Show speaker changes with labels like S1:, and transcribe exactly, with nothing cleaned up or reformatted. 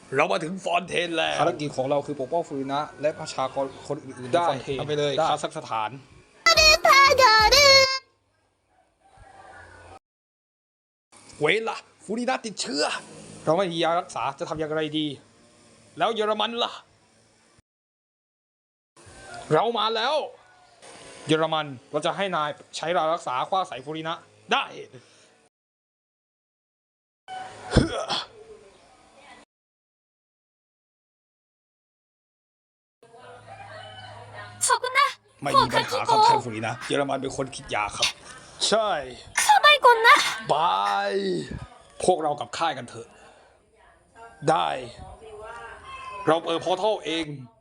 S1: เรามาถึงฟอนเทนแล้ว
S2: ภารกิจของเราคือปกป้องฟูรินะและประชากรคนอื่นๆใน
S1: ได้
S2: ฟอนเทน
S1: ทำไปเลย
S2: ได้
S1: คาซัคสถาน เวล่ะฟูรินะติดเชื้อ
S2: เราไม่มียารักษาจะทำอย่างไรดี
S1: แล้วเยอรมันล่ะ เรามาแล้ว
S2: เยอรมันเราจะให้นายใช้ยารักษาคว้าใส่ฟูรินะ
S1: ได้
S3: そこな
S1: ไม่มีปัญหาครับท่านฟูรินะ เยอรมันเป็นคนคิดยาครับ ใช่
S3: サバイコンな
S1: บาย พวกเรากลับค่ายกันเถอะ ได้ เราเปิดพอร์ทัลเอง